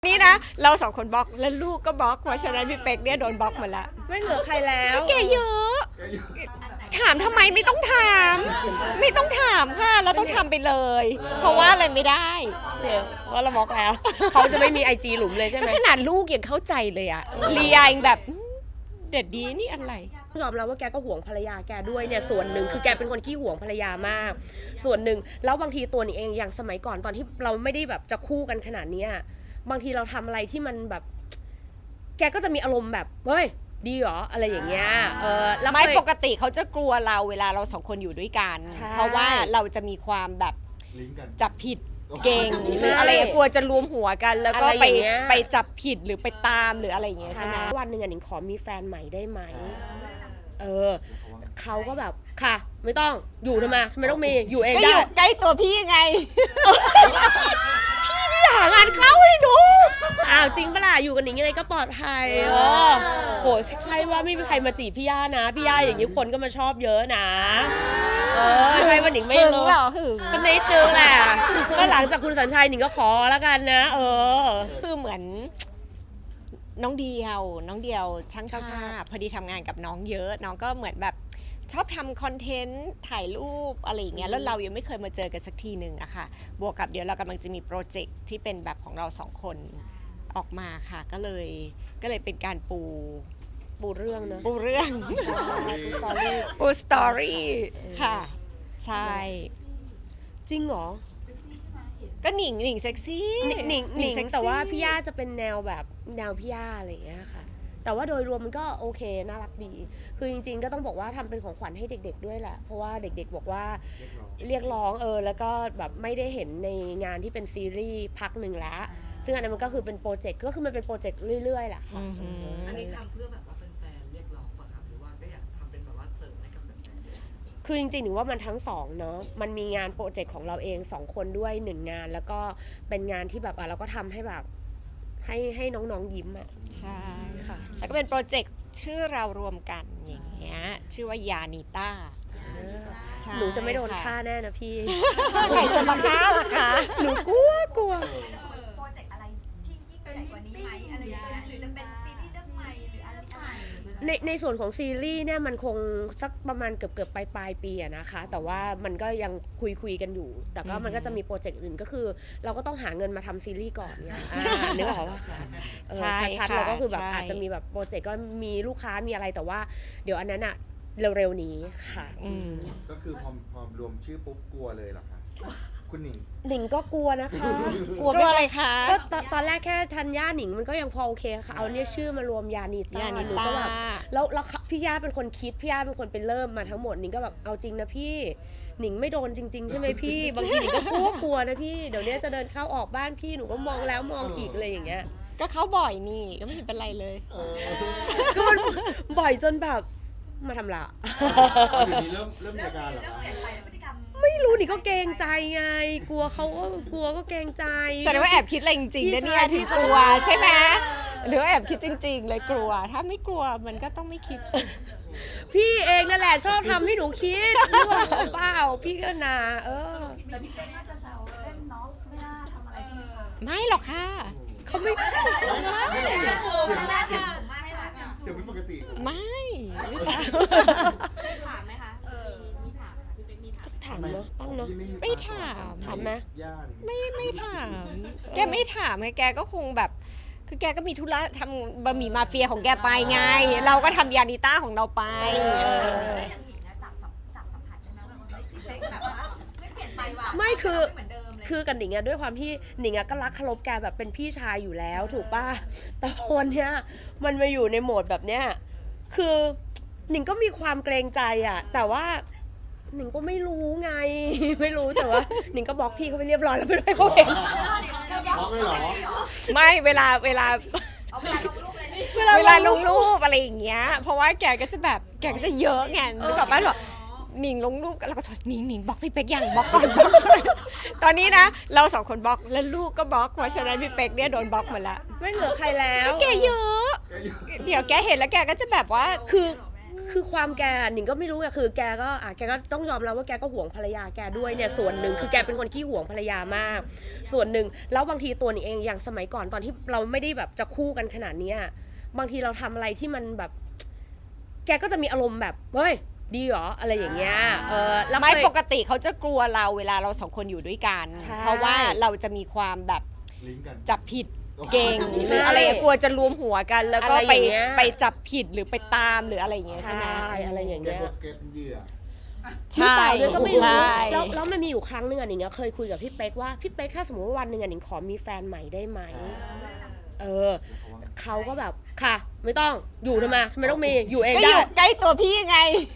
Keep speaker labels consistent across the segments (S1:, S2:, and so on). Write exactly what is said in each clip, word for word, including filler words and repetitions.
S1: นี่นะเราสองคนบล็อกแล้วลูกก็บล็อกเพราะฉะนั้นพี่เป๊กเนี่ยโดนบล็อกหมดละ
S2: ไม่เหลือใครแล้ว
S1: แกเยอะถามทำไมไม่ต้องถาม ไม่ต้องถามค่ะเราต้องทำไปเลย เพราะว่าอะไรไม่ได้
S2: เดี๋ยวว่าเราบล็อกแล้วเขาจะไม่มีไอจีหลุมเลยใช่ไหม
S1: ก็ขนาดลูกยังเข้าใจเลยอะเลียเองแบบเด็ดดีนี่อะไร
S2: ยอมรับว่าแกก็ห่วงภรรยาแกด้วยเนี่ยส่วนหนึ่งคือแกเป็นคนขี้ห่วงภรรยามากส่วนหนึ่งแล้วบางทีตัวนี่เองอย่างสมัยก่อนตอนที่เราไม่ได้แบบจะคู่กันขนาดนี้บางทีเราทำอะไรที่มันแบบแกก็จะมีอารมณ์แบบเฮ้ยดีเหรออะไรอย่างเงี้ยเออแล้ว
S1: ไม่ปกติเขาจะกลัวเราเวลาเราสองคนอยู่ด้วยกันเพราะว่าเราจะมีความแบบจับผิดเก่งหรืออะไรกลัวจะรวมหัวกันแล้วก็ไปไปจับผิดหรือไปตามหรืออะไรอย่างเงี้ยใช่ไหม
S2: วันหนึ่งอ่ะหนิงขอมีแฟนใหม่ได้ไหมเออเขาก็แบบค่ะไม่ต้องอยู่ทำไมทำไมต้องมีอยู่เองได้
S1: ใกล้ตัวพี่ไงพี่นี่หางานเข้าให้ดู
S2: อ้าวจริงปะล่ะอยู่กันหนิงยังไงก็ปลอดภัยโอ้โหใช่ว่าไม่มีใครมาจีบพี่ย่านะพี่ย่าอย่างนี้คนก็มาชอบเยอะนะเออใช่ว่าหนิงไม่รู้ก็นิดนึงแหละก็หลังจากคุณสัญชัยหนิงก็ขอแล้วกันนะเออ
S1: คือเหมือนน้องเดียวน้องเดียวช่างภาพพอดีทำงานกับน้องเยอะน้องก็เหมือนแบบชอบทำคอนเทนต์ถ่ายรูปอะไรอย่างเงี้ยแล้วเรายังไม่เคยมาเจอกันสักทีหนึ่งอะค่ะบวกกับเดี๋ยวเรากำลังจะมีโปรเจกต์ที่เป็นแบบของเราสองคนออกมาค่ะก็เลยก็เลยเป็นการปู
S2: ปูเรื่องเนอะ
S1: ปูเรื่องปูสตอรี่ค่ะใช่
S2: จริงเหรอ
S1: ก็หนิงหนิงเซ็กซี่
S2: หนิงหนิงหนิงแต่ว่าพี่ย่าจะเป็นแนวแบบแนวพี่ย่าอะไรอย่างเงี้ยค่ะแต่ว่าโดยรวมมันก็โอเคน่ารักดีคือจริงๆก็ต้องบอกว่าทำเป็นของขวัญให้เด็กๆด้วยแหละเพราะว่าเด็กๆบอกว่าเรียกร้องเออแล้วก็แบบไม่ได้เห็นในงานที่เป็นซีรีส์พักหนึ่งแล้วซึ่งอันนั้นมันก็คือเป็นโปรเจกต์ก็คือมันเป็นโปรเจกต์เรื่อยๆแหละค่ะ
S3: อันนี้ทำเพื่อแบบว่าแฟนๆเรียกร้องป่ะครับหรือว่าก็อยากทำเป็นแบบว่าเสริมให้กับแฟนๆ
S2: คือจริงๆหนูว่ามันทั้งสองเนาะมันมีงานโปรเจกต์ของเราเองสองคนด้วยหนึ่งงานแล้วก็เป็นงานที่แบบอ่ะเราก็ทำให้แบบให้ให้น้องๆยิ้มอ่ะ
S1: ใช่ค่ะแล้วก็เป็นโปรเจกต์ชื่อเรารวมกันอย่างเงี้ยชื่อว่ายานิต้า
S2: หนูจะไม่โดนฆ่าแน่นะพี่
S1: ใครจะมาฆ่าล่ะคะหนูกลัวกลัว
S4: โปรเจกต์อะไรที่ยิ่งใหญ่กว่านี้ไหมอะไรอย่างเงี้ยหรือจะเป็นซีรีส์เรื่องใหม่หรืออะไร
S2: ในในส่วนของซีรีส์เนี่ยมันคงสักประมาณเกือบเกือบปลายปลายปีอะนะคะแต่ว่ามันก็ยังคุยคุยกันอยู่แต่ก็มันก็จะมีโปรเจกต์อื่นก็คือเราก็ต้องหาเงินมาทำซีรีส์ก่อนไงนึกออกป่ะคะชัดๆเราก็คือแบบอาจจะมีแบบโปรเจกต์ก็มีลูกค้ามีอะไรแต่ว่าเดี๋ยวอันนั้นอะเร็วๆนี้ค่ะ
S5: ก็คือพอพอรวมชื่อปุ๊บกลัวเลยเหรอคะคุณหนิง
S2: หนิงก็กลัวนะคะ
S1: กลัวอะไรคะ
S2: ก็ตอนแรกแค่ธัญญาหนิงมันก็ยังพอโอเคค่ะเอาเนี่ยชื่อมารวมยานิต้าหนูก็แบบแล้วแล้วพี่ย่าเป็นคนคิดพี่ย่าเป็นคนเป็นเริ่มมาทั้งหมดหนิงก็แบบเอาจริงนะพี่หนิงไม่โดนจริงๆใช่ไหมพี่บางทีหนิงก็กลัวกลัวนะพี่เดี๋ยวนี้จะเดินเข้าออกบ้านพี่หนูก็มองแล้วมองอีกเลยอย่างเงี้ย
S1: ก็เข้าบ่อยนี่ก็ไม่เห็นเป็นไรเลย
S2: ก็มันบ่อยจนแบบมาทำละ
S5: เดี๋ยวนี้เริ่มเริ่มมีอาการเหรอคะ
S2: ไม่รู้ดิก็เกรงใจไงกลัวเขาก็กลัวก็เกรงใจ
S1: แสดงว่าแอบคิดอะไรจริงๆนะเนี่ยที่กลัวใช่ไหมหรือว่าแอบคิดจริงๆเลยกลัวถ้าไม่กลัวมันก็ต้องไม่คิด
S2: พี่เองนั่นแหละชอบทำให้หนูคิดหรือเปล่าพี่ก็นาเออ
S4: แต่พี่เป๊กน่าจะแซวเล่นน้องไม่น่าทำอะไรใช่ไหมคะ
S1: ไม่หรอกค่ะเขาไม่
S5: เสียงเป็นปกติ
S1: ไม่
S4: ถามไหมคะเออมีถามพี่เป๊กมีถาม
S2: ถามเนาะบ้างเนาะ
S1: ไม่ถาม
S2: ถามไหม
S1: ไม่ไม่ถามแกไม่ถามไงแกก็คงแบบคือแกก็มีธุระทำบะหมี่มาเฟียของแกไปไงเราก็ทำยานิต้าของเราไป
S2: ไม่คือคือกันหนิงอะด้วยความที่หนิงอะก็รักเคารพแกแบบเป็นพี่ชายอยู่แล้วถูกป่ะแต่วันเนี้ยมันมาอยู่ในโหมดแบบเนี้ยคือหนิงก็มีความเกรงใจอะแต่ว่าหนิงก็ไม่รู้ไงไม่รู้แต่ว่าหนิงก็บล็อกพี่เขาไปเรียบร้อยแล้วไม่ได้เขาเห็น
S5: บล็อกเลยเหรอ
S1: ไม่เวลาเวลาเวลาลงรูปอะไรอย่างเงี้ยเพราะว่าแกก็จะแบบแกก็จะเยอะไงนึกออกป่ะหรอหนิงลงรูปแล้วก็ถอยหนิงหนิงบล็อกพี่เป๊กยังบล็อกก่อนบล็อกตอนนี้นะเราสองคนบล็อกแล้วลูกก็บล็อกเพราะฉะนั้นพี่เป๊กเนี่ยโดนบล็อกหมดละ
S2: ไม่เหลือใครแล้ว
S1: แกเยอะเดี๋ยวแกเห็นแล้วแกก็จะแบบว่า
S2: คือคือความแกหนิงก็ไม่รู้อะคือแกก็อ่ะแกก็ต้องยอมรับว่าแกก็ห่วงภรรยาแกด้วยเนี่ยส่วนหนึ่งคือแกเป็นคนขี้ห่วงภรรยามาก ส่วนหนึ่งแล้วบางทีตัวหนิงเองอย่างสมัยก่อนตอนที่เราไม่ได้แบบจะคู่กันขนาดเนี้ยบางทีเราทำอะไรที่มันแบบ แกก็จะมีอารมณ์แบบเฮ้ยดีเหรออะไรอย่างเงี้ยเออแล้ว
S1: ไม่
S2: เคย
S1: ปกติเขาจะกลัวเราเวลาเราสองคนอยู่ด้วยกัน
S2: ใช่
S1: เพราะว่าเราจะมีความแบบ
S5: ลิงก์กัน
S1: จับผิดเก่ง
S2: ใช่
S1: หรืออะไรกลัวจะรวมหัวกัน แล้วก็
S2: อะไร
S1: ไป
S2: อย่างเงี้ย
S1: ไปจับผิดหรือไปตามหรืออะไรอย่างเงี้ยใช่ไหม
S2: ใช่อะไรอย่าง
S5: แก
S2: เงี้ย
S5: พวกเก็บเหยื่อ
S1: ใช่
S2: หรือเปล่าด้วยก็ไม่รู้
S1: ใช่
S2: แล้วแล้วมันมีอยู่ครั้งหนึ่งอ่ะหนิงอะเคยคุยกับพี่เป๊กว่าพี่เป๊กถ้าสมมติว่าวันหนึ่งอ่ะหนิงขอมีแฟนใหม่ได้ไหมเออเขาก็แบบค่ะ ไม่ต้องอยู่ทำไมทำไมต้องมีอยู่เอง
S1: ก็อ
S2: ได้
S1: ยู่ใกล้ตัวพี่ไง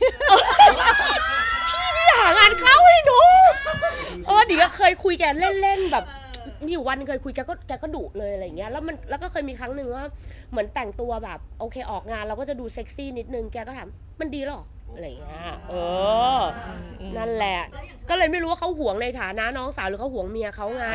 S2: พี่หางานเข้าให้หนูเออหนิงก็เคยคุยแกเล่นๆแบบมีอยู่วันหนึงเคยคุยแกก็แกก็ดุเลยอะไรอย่างเงี้ยแล้วมันแล้วก็เคยมีครั้งหนึ่งว่าเหมือนแต่งตัวแบบโอเคออกงานเราก็จะดูเซ็กซี่นิดนึงแกก็ถามมันดีเหรออะไรอย่างเงี้ยเออ นั่นแหละ ก็เลยไม่รู้ว่าเขาห่วงในฐานะน้องสาวหรือเขาห่วงเมียเขาไง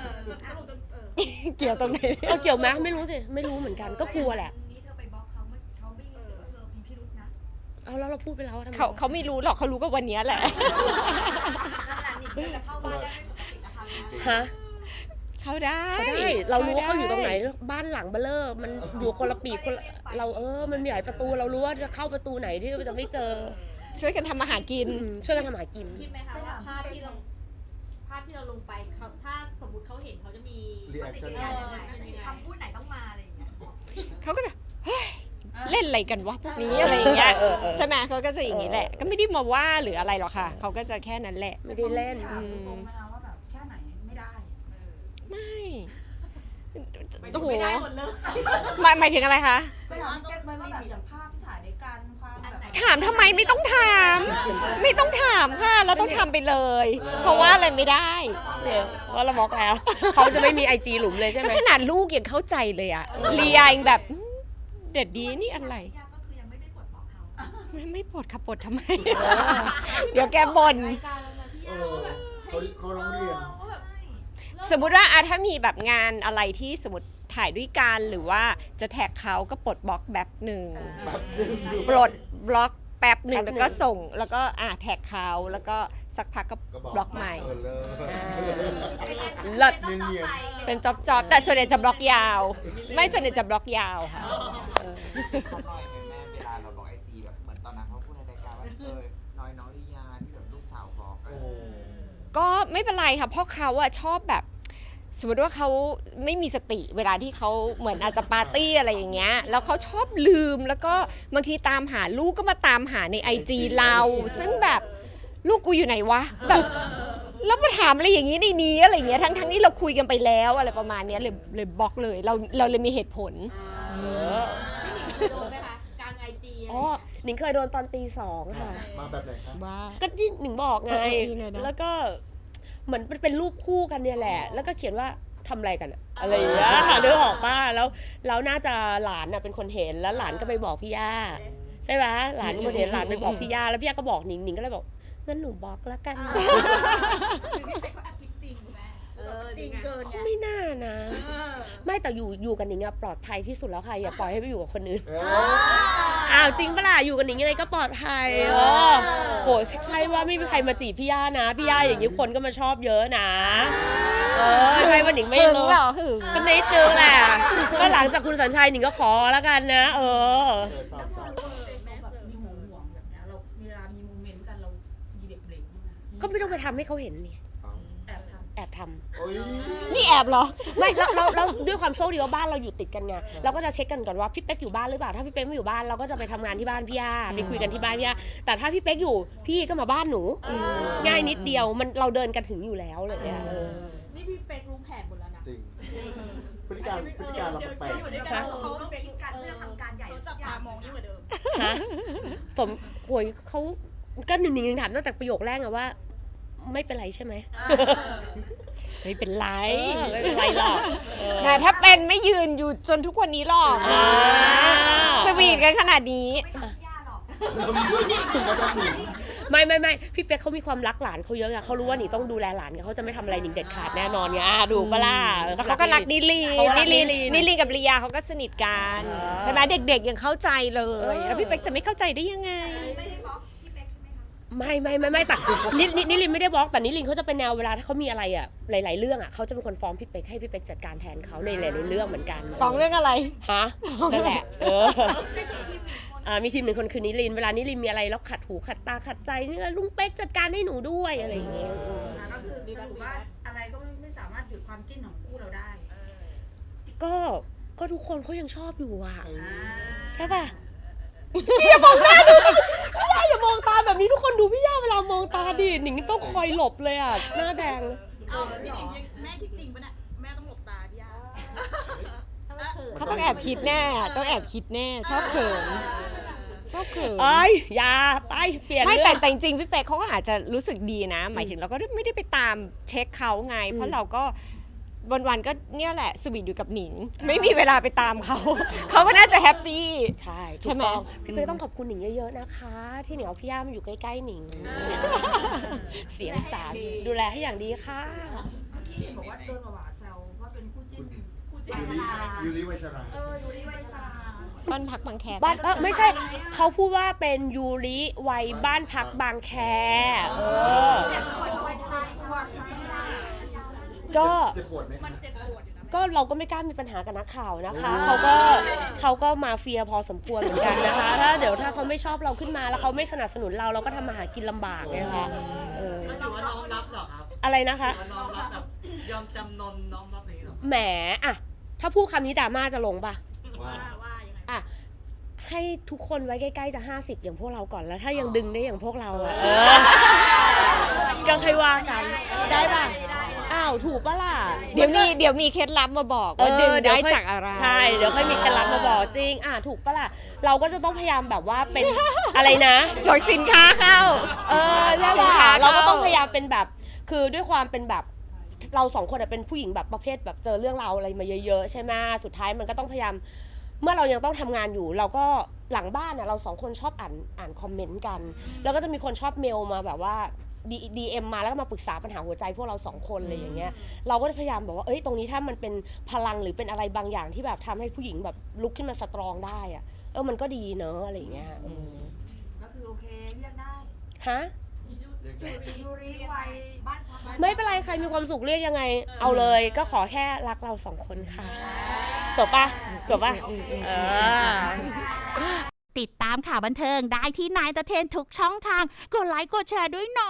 S1: เกี่ยวตรงไหน
S2: เออเกี่ยวไหมไม่รู้สิไม่รู้เหมือนกันก็กลัวแหละ
S4: นี้เธอไปบล็อกเขาไม่เขาไม่รู้สึกว่าเธอมีพิรุธนะ
S2: เอาแล้วเราพูดไปแล้วทำไม
S1: เขาเขาไม่รู้หรอกเขารู้ก็วันเนี้ยแหละ
S4: นั่นแหละนี่จะเข้าบ้านได้ไม่ปกตินะคะ
S2: ฮะ
S1: เขาได้
S2: เขาได้เรารู้ว่าเขาอยู่ตรงไหนบ้านหลังเบลเลอร์มันอยู่คนละปีกคนละเราเออมันมีหลายประตูเรารู้ว่าจะเข้าประตูไหนที่จะไม่เจอ
S1: ช่วยกันทำมาหากิน
S2: อืมช่วยกันทำหากิน
S6: คิดไหมคะว่าภาพที่เราภาพที่เราลงไปเขาถ้าสมมติเขาเห็นเขาจะมี
S5: รีแอคชั่น
S6: เออเป็นยังไง
S4: คำพูดไหนต้องมาอะไรอย่างเงี้ย
S1: เขาก็จะเฮ้ยเล่นอะไรกันวะพวกนี้อะไรอย่างเงี้ย
S2: เออเออ
S1: ใช่ไหมเขาก็จะอย่างนี้แหละ ก็ไม่ได้มาว่าหรืออะไรหรอกค่ะ เขาก็จะแค่นั้นแหละ
S2: ไม่ได้เล่น
S4: ถามตรงๆนะคะว่าแบบแค่ไหนไม่ได้
S1: ไม่
S6: ไม่ต้องไม่ได้หมดเลย
S1: หมายหมายถึงอะไรคะ
S4: ไปถามแกมันมีแบบอย่างภาพที่ถ่ายด้วยกันความแบบ
S1: ถามทำไมไม่ต้องถาม ไม่ต้องถามค่ะ เราต้องทำไปเลย เพราะว่าอะไรไม่ได้
S2: เพราะเราบล็อกแล้ว เขาจะไม่มีไอจีหลุมเลยใช่ไห
S1: ก็
S2: ม
S1: ขนาดลูกยังเข้าใจเลยอะเลียยังแบบอืมเด็ดดีนี่อะไร
S4: ยากก็คือยังไม่ได้ปลดบล็อกเขา
S1: ไม่ไม่ปลดค่ะปลดทำไม เดี๋ยวแกบ่น
S5: เออเขาเขาร้องเรียน
S1: สมมุติว่าอะถ้ามีแบบงานอะไรที่สมมติถ่ายด้วยกันหรือว่าจะแท็กเขาก็ปลดบล็อกแบบหนึ่ง
S5: แบบนึงดู
S1: ปลดบล็อกแป๊บหนึ่ง
S2: แป๊บหนึ่
S1: แล้ว
S2: ง
S1: ก็ส่งแล้วก็อ่ะแท็กเขาแล้วก็สักพักก็
S5: ก็บอก
S1: บล็อกใหม่
S5: เออเลย
S2: เลิศ
S5: เนียน
S1: เป็นจ็อบจอบๆแต่ส่วนใหญ่จะบล็อกยาว ไม่ส่วนใหญ่จะบล็อกยาวค่ะ
S7: เขาน้อยไหมแม่เวลาเราบอกไอจีแบบเหมือนตอนนั้นเขาพูดในรายการว่าเออน้อยน้องลิยาที่แบบลูกสาวบอก
S5: ๆ
S7: อะ
S5: โอ้
S1: ก็ไม่เป็นไรค่ะเพราะเขาอะชอบแบบ สมมติว่าเขาไม่มีสติเวลาที่เขาเหมือนอาจจะปาร์ตี้อะไรอย่างเงี้ยแล้วเขาชอบลืมแล้วก็บางทีตามหาลูกก็มาตามหาในไอจีเรา ซึ่งแบบลูกกูอยู่ไหนวะแบบแล้วมาถามอะไรอย่างนี้ในนี้อะไรอย่างเงี้ยทั้งทั้งที่เราคุยกันไปแล้วอะไรประมาณเนี้ยเลยเลยบล็อกเลยเราเราเลยมีเหตุผล
S6: โดนไหมคะกลางไอจี
S2: อ๋อหนิงเคยโดนตอนตีสองค่ะ
S5: มาแบบไหนคะ
S1: ว่า
S2: ก็ที่หนิงบอกไง
S1: เออเออยังไงนะ
S2: แล้วก็เหมือนเป็นรูปคู่กันเนี่ยแหละ แล้วก็เขียนว่าทำอะไรกันอะอะไรอย่างเงี้ยค่ะนึกออกป่ะแล้วแล้วน่าจะหลานน่ะเป็นคนเห็นแล้วหลานก็ไปบอกพี่ย่าใช่ไหมหลานเป็นคนเห็นหลานไปบอกพี่ย่าแล้วพี่ย่าก็บอกหนิงหนิงก็เลยบอกงั้นหนูบล็อกแล้วกัน
S6: เออจริงเกิน
S2: ก็ไม่น่านะ ไม่แต่อยู่อยู่กันหนิงอะปลอดภัยที่สุดแล้วค่ะอย่าปล่อยให้ไปอยู่กับคนอื่น
S5: เออ
S2: อ้าวจริงปะล่ะอยู่กันหนิงยังไงก็ปลอดภัยเออโหยใช่ว่าไม่มีใครมาจีบพี่ย่านะพี่ย่าอย่างนี้คนก็มาชอบเยอะนะเออใช่ว่าหนิงไม่
S1: หึง
S2: รู้
S1: เหรอหึง
S2: ก็นิดนึงแหละก็หลังจากคุณสัญชัยหนิงก็ขอแล้วกันนะ เออ
S5: เออตอบ
S3: แล้วพ
S5: ต
S3: อ
S5: อบ
S3: เราแบบมีห่วงห่วงแบบเนี้ยเราเวลามีโมเมนต์กันเรามีเด็กเบรกบ้างไหม
S2: ก็ไม่ต้องไปทำให้เขาเห็นนี่
S5: เอา
S3: แอบทำ
S2: แอบทำ
S5: โอ้ย
S1: นี่แอบเหรอ
S2: ไม่แล้วแล้วแล้วด้วยความโชคดีว่าบ้านเราอยู่ติดกันไงเราก็จะเช็คกันก่อนว่าพี่เป๊กอยู่บ้านหรือเปล่าถ้าพี่เป๊กไม่อยู่บ้านเราก็จะไปทำงานที่บ้านพี่ย่าไปคุยกันที่บ้านพี่ย่าแต่ถ้าพี่เป๊กอยู่พี่ก็มาบ้านหนูง่ายนิดเดียวมันเราเดินกันถึงอยู่แล้วเลยอะเออ
S6: นี่พี่เป๊กรู้แผนหมดแล้วนะ
S5: จริงพฤติการพฤติการเราแปลก
S4: อยู่ด้วยกันเขาต้องคิดกันเพื่อทำการใหญ่
S6: เขาจับตามองยิ่งกว่าเดิม
S2: ฮะสมโวยเขาก็หนึ่งหนึ่งถามตั้งแต่ประโยคแรกอะว่า ไม่เป็นไรใช่ไหม
S1: ไม่เป็นไร
S2: เออไม่เป็นไรหรอกเออ
S1: นะถ้าเป็นไม่ยืนอยู่จนทุกวันนี้หรอก
S2: อ่า
S1: สวีทกันขนาดนี้
S4: ไม่ต้องย่าหรอก
S5: ๆแล้วมี
S2: ไม่ไม่ไม่พี่เป๊กเขามีความรักหลานเขาเยอะไงเขารู้ว่าหนิงต้องดูแลหลานไงเขาจะไม่ทำอะไรหนิงเด็ดขาดแน่นอนไงอ่ะดูปะล่ะ
S1: แล้วเขาก็รักนิลี
S2: เขารั
S1: นิ
S2: ก
S1: ลี
S2: นิลี
S1: นิลีกับลียาเขาก็สนิทกัน
S2: เออ
S1: ใช่ไหมเด็กๆยังเข้าใจเลย
S2: เออ
S1: แล้วพี่เป๊กจะไม่เข้าใจได้ยังไง
S4: ไม่ได้บล็อกพี่เป๊กใช่ไหมคะ
S2: ไม่ไม่ไม่ไม่แต่นินินิลินไม่ได้บล็อกแต่นิลินเขาจะเป็นแนวเวลาถ้าเขามีอะไรอ่ะหลาย ๆ เรื่องอ่ะเขาจะเป็นคนฟ้องพี่เป๊กให้พี่เป๊กจัดการแทนเขาในหลายๆเรื่องเหมือนกัน
S1: ฟ้องเรื่องอะไร
S2: ฮะนั่นแหละเอออ่ามีทีมหนึ่งคนคือนิลินเวลานิลินมีอะไรแล้วขัดหูขัดตาขัดใจเนี่ยลุงเป๊กจัดการให้หนูด้วยอะไรอย่างเงี้ย
S4: อ่าก็คือสรุปว่าอะไรก็ไม่สามารถหยุดความจิ้นของคู่เราได้
S2: ก็ก็ทุกคนเขายังชอบอยู่อ่ะ
S4: อ่า
S2: ใช่ป่ะพี่อย่ามองหน้าดูพี่ย่าอย่ามองตาแบบนี้ทุกคนดูพี่ย่าเวลามองตาดิหนิงต้องคอยหลบเลยอ่ะหน้าแดง
S8: เอาพี่หนิงแม่คิดจริงปะเนี่ยแม่ต้องหลบตาพี่ย่า
S1: เขาต้องแอบคิดแน่ ต้องแอบคิดแน่ ชอบเขิน ชอบเขิน
S2: เอ้ยอย่าไปเปลี่ยน
S1: ไม่
S2: เรื่
S1: แต่
S2: อง
S1: แต่จริงๆพี่เป๊กเขาก็อาจจะรู้สึกดีนะ หมายถึงเราก็ไม่ได้ไปตามเช็คเขาไง เพราะเราก็วันๆก็เนี่ยแหละสวีทอยู่กับหนิง ไม่มีเวลาไปตามเขา เขาก็น่าจะแฮปปี้
S2: ใช่
S1: ใช่ไหม
S2: ถูกต้องพี่เป๊กต้องขอบคุณหนิงเยอะๆนะคะ ที่หนิงเอาพี่ย่ามาอยู่ใกล้ๆหนิง เสียงสารดูแลให้อย่างดีค่ะ
S4: เมื่อกี้เห็นบอกว่าโดนหวาแซวว่าเป็นคู่จิ้นคู่จิ้น
S5: ยูริยูริไวชรา
S4: เออยูริไวชรา
S1: บ้านพักบางแค
S2: บ้านเออไม่ใช่เขาพูดว่าเป็นยูริวัยบ้านพักบางแคเออ
S4: เจ็บปวดไวชราปวดไหม
S2: ก็
S5: เจ็บปวดไหมคะ
S8: เจ็บปวดอยู่นะ
S2: ก็เราก็ไม่กล้ามีปัญหากับนักข่าวนะคะเขาก็เขาก็มาเฟียพอสมควรเหมือนกันนะคะ ถ้าเดี๋ยวถ้าเขาไม่ชอบเราขึ้นมาแล้วเขาไม่สนับสนุนเราเราก็ทำมาหากินลำบากไงคะเออ
S3: ก็ถือว่าน้อมรับเหรอครับ
S2: อะไรนะคะ
S3: ถือว่าน้อมรับแบบยอมจำนนน้อมรับนี้เหรอ
S2: แหมอะถ้าพูดคำนี้ดราม่าจะลงปะ
S5: ว่า
S8: ว่ายังไง
S2: อะให้ทุกคนไว้ใกล้ๆจะห้าสิบอย่างพวกเราก่อนแล้วถ้ายังดึงได้อย่างพวกเราอะเออก็ค่อยว่ากันได้ปะอ้าวถูกปะล่ะ
S1: เดี๋ยวมีเดี๋ยวมีเคล็ดลับมาบอกว่าดึงได้จากอะไร
S2: ใช่เดี๋ยวค่อยมีเคล็ดลับมาบอกจริงอ่ะถูกปะล่ะเราก็จะต้องพยายามแบบว่าเป็น อะไรนะ
S1: ส่งสินค้าเข้า
S2: เออใช่
S1: สิน
S2: ป่ะ
S1: ค้า
S2: เราก็ต้อง
S1: เข้า
S2: พยายามเป็นแบบคือด้วยความเป็นแบบเราสองคนอะเป็นผู้หญิงแบบประเภทแบบเจอเรื่องราวอะไรมาเยอะๆใช่ไหมสุดท้ายมันก็ต้องพยายามเมื่อเรายังต้องทำงานอยู่ เราก็หลังบ้านอะเราสองคนชอบอ่านอ่านคอมเมนต์กัน แล้วก็จะมีคนชอบเมลมาแบบว่าดีดีเอ็มมาแล้วก็มาปรึกษาปัญหาหัวใจพวกเราสองคนอะไรอย่างเงี้ยเราก็จะพยายามแบบว่าเอ้ยตรงนี้ถ้ามันเป็นพลังหรือเป็นอะไรบางอย่างที่แบบทำให้ผู้หญิงแบบลุกขึ้นมาสตรองได้อะเออมันก็ดีเนอะอะไรอย่างเงี้ยเออ
S4: ก็คือโอเคเรียกได้
S2: ฮะ
S5: เรียกได้
S4: ยูริวัยบ้านพัก
S2: ไม่เป็นไรใครมีความสุขเรียกยังไง เอาเลย ก็ขอแค่รักเราสองคนค่ะ จบปะจบปะเออ
S9: ติดตามข่าวบันเทิงได้ที่นายตะเทนทุกช่องทาง กดไลค์กดแชร์ด้วยเนาะ